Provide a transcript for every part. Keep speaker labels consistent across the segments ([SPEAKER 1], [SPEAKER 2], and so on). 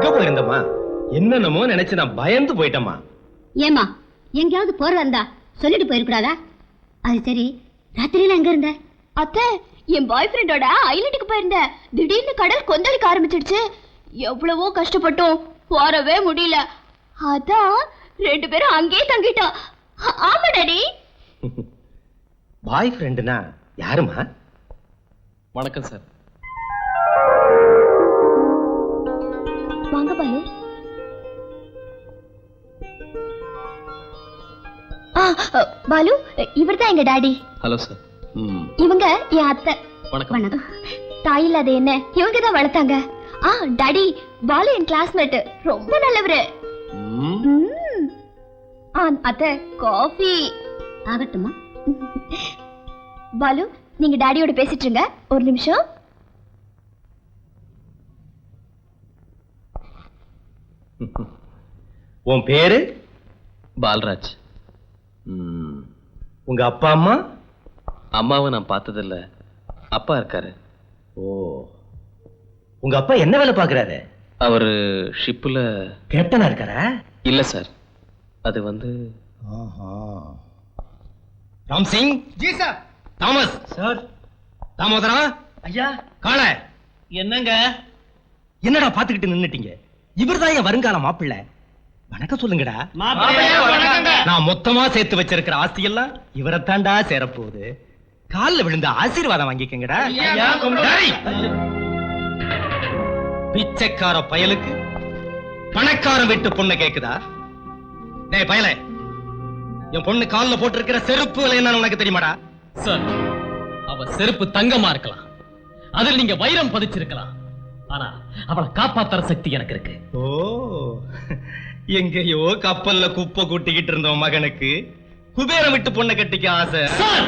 [SPEAKER 1] எங்க போயிருந்தம்மா? என்னென்னமோ நினைச்சு நான் பயந்து போயிட்டம்மா.
[SPEAKER 2] ஏமா எங்கயாவது போறதா இருந்தா சொல்லிட்டு போயிருக்கூடாதா? அது சரி, ராத்திரியில எங்க இருந்த?
[SPEAKER 3] அத்தை, என் பாய் ஃப்ரெண்டோட ஐலண்டுக்கு போயிருந்த. திடீர்னு கடல் கொந்தளிக்க ஆரம்பிச்சிடுச்சு. எவ்வளவோ கஷ்டப்பட்டோம், போறவே முடியல. அதான் 2 பேரும் அங்கேயே தங்கிட்டோம். ஆமா டாடி.
[SPEAKER 1] பாய் ஃப்ரெண்டுனா யாருமா?
[SPEAKER 4] வணக்கம் சார்.
[SPEAKER 3] வாங்க பாலு. பாலு, இவர்தான் எங்க டாடி.
[SPEAKER 4] Hello sir.
[SPEAKER 3] இவங்க என் அத்தை.
[SPEAKER 4] வணக்கம்.
[SPEAKER 2] வணக்கம்.
[SPEAKER 3] தாயில் அது என்ன, இவங்க தான் வளர்த்தாங்க. டாடி, பாலு என் கிளாஸ்மேட், ரொம்ப நல்லவரு. அத்தை, காஃபி.
[SPEAKER 2] ஆகட்டுமா?
[SPEAKER 3] பாலு, நீங்க டாடியோட பேசிட்டு இருங்க, ஒரு நிமிஷம்.
[SPEAKER 1] உன் பேரு?
[SPEAKER 4] பால்ராஜ்.
[SPEAKER 1] உங்க அப்பா அம்மா?
[SPEAKER 4] அம்மாவை நான் பார்த்ததில்ல, அப்பா இருக்காரு.
[SPEAKER 1] ஓ, உங்க அப்பா என்ன வேலை பாக்குறாரு?
[SPEAKER 4] அவரு ஷிப்ல
[SPEAKER 1] கேப்டனா இருக்காரா?
[SPEAKER 4] இல்ல சார், அது வந்து
[SPEAKER 1] Ram Singh.
[SPEAKER 5] Ji sir.
[SPEAKER 1] Thomas
[SPEAKER 5] sir.
[SPEAKER 1] தாமோதரா.
[SPEAKER 5] ஐயா.
[SPEAKER 1] காள.
[SPEAKER 5] என்னங்க?
[SPEAKER 1] என்னடா பாத்துக்கிட்டு நின்னுட்டீங்க? இவர்தான் என் வருங்கால மாப்பிள்ளை. வணக்கம் சொல்லுங்கடா. நான் மொத்தமா சேர்த்து வச்சிருக்கிற ஆஸ்தி எல்லாம் இவரைத்தாண்டா சேரப்போகுது. காலில் விழுந்த ஆசீர்வாதம் வாங்கிக்கங்கடா. பிச்சைக்கார பயலுக்கு பணக்காரன் வீட்டு பொண்ணு கேக்குதா? டேய் பயலே, என் பொண்ணு காலில் போட்டிருக்கிற செருப்பு விலை என்னன்னு உனக்கு தெரியுமாடா?
[SPEAKER 6] சார், அவ செருப்பு தங்கமா இருக்கலாம், அதில் நீங்க வைரம் பதிச்சிருக்கலாம், ஆனா அவளை காப்பாத்துற சக்தி எனக்கு இருக்கு.
[SPEAKER 1] ஓ, எங்கேயோ கப்பல்ல குப்பை கூட்டிக்கிட்டு இருந்தோம் மகனுக்கு குபேரம் விட்டு பொண்ணை கட்டிக்க ஆசை.
[SPEAKER 6] சார்,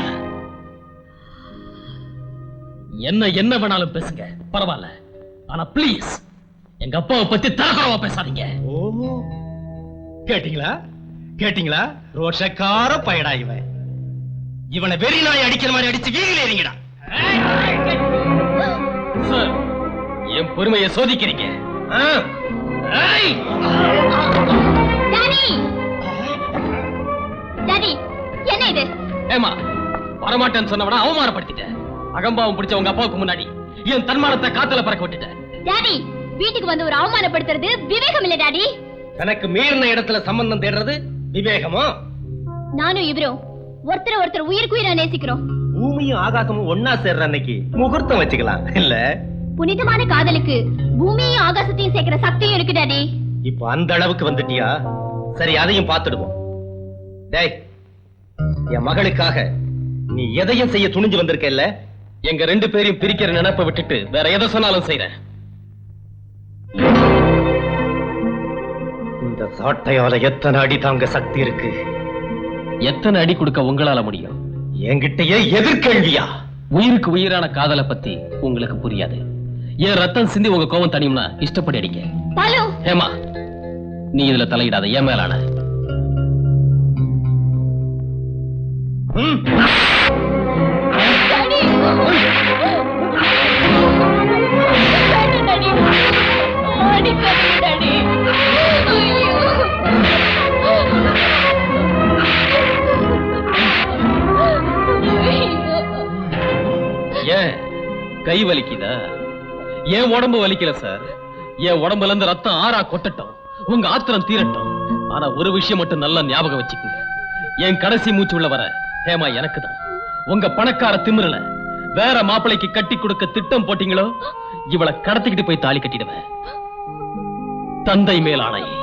[SPEAKER 6] என்ன வேணாலும் பேசுங்க, பரவாயில்ல, ஆனா பிளீஸ் எங்க அப்பாவை பத்தி தரக்குறவா பேசாதீங்க.
[SPEAKER 1] ஓ, கேட்டீங்களா கேட்டீங்களா? ரோஷக்கார பயடா இவன். இவனை வெறி நாய் அடிக்கிற மாதிரி அடிச்சு வீதியில ஏறிங்கடா.
[SPEAKER 6] சார், என் பொறுமையை சோதிக்கிறீங்க.
[SPEAKER 3] டாடி, டாடி, என்ன இது?
[SPEAKER 6] ஏமா, வரமாட்டேன்னு சொன்னவன அவமானப்படுத்திட்டேன். அகம்பாவம் பிடிச்ச உங்க அப்பாவுக்கு முன்னாடி என் தன்மானத்தை காத்துல பறக்க விட்டுட்டேன்.
[SPEAKER 3] டாடி, வீட்டுக்கு வந்து ஒரு அவமானப்படுத்துறது விவேகம் இல்ல டாடி.
[SPEAKER 1] தனக்கு மீறின இடத்துல சம்பந்தம் தேடுறது விவேகமா?
[SPEAKER 3] நானும் இவரும் ஒருத்தர் உயிருக்குயிரா நேசிக்கிறோம்.
[SPEAKER 1] பூமியும் ஆகாசமும் ஒன்னா சேர்ற அன்னைக்கு முகூர்த்தம் வச்சுக்கலாம் இல்ல?
[SPEAKER 3] புனிதமான காதலுக்கு பூமியையும் ஆகாசத்தையும் சேர்க்கிற சக்தியும் இருக்கு டாடி.
[SPEAKER 1] இப்ப அந்த அளவுக்கு வந்துட்டியா? சரி, அதையும் பார்த்துடுவோம். டேய், என் மகளுக்காக நீ எதையும் செய்ய துணிஞ்சு வந்திருக்க இல்ல?
[SPEAKER 6] எங்க 2 பேரையும் பிரிக்கிற நினைப்பை விட்டுட்டு வேற எதை சொன்னாலும் செய்றேன்.
[SPEAKER 1] இந்த சாட்டையால எத்தனை அடி தாங்க சக்தி இருக்கு?
[SPEAKER 6] எத்தனை அடி கொடுக்க உங்களால முடியும்?
[SPEAKER 1] என்கிட்டயே எதிர்கேள்வியா?
[SPEAKER 6] உயிருக்கு உயிரான காதலை பத்தி உங்களுக்கு புரியாது. என் ரத்தம் சிந்தி உங்க கோவம் தனியும்னா இஷ்டப்படி அடிங்க.
[SPEAKER 3] பாலு,
[SPEAKER 6] ஏமா, நீ இதுல தலையிடாத, ஏன் மேலான.
[SPEAKER 3] டாடி, டாடி, அடிக்காதீங்க டாடி. ஐயோ.
[SPEAKER 6] ஏன் கை வலிக்குதா? என் உடம்பு வலிக்கல சார். என் உடம்புல இருந்து ரத்தம் ஆறா கொட்டட்டும், உங்க ஆத்திரம் தீரட்டும். ஆனா ஒரு விஷயம் மட்டும் நல்லா ஞாபகம் வச்சுக்கோங்க, என் கடைசி மூச்சு உள்ள வர ஹேமா எனக்கு தான். உங்க பணக்கார திமிரல வேற மாப்பிளைக்கு கட்டி கொடுக்க திட்டம் போட்டீங்களோ, இவளை கடத்திக்கிட்டு போய் தாலி கட்டிடுவேன். தந்தை மேல் ஆணை.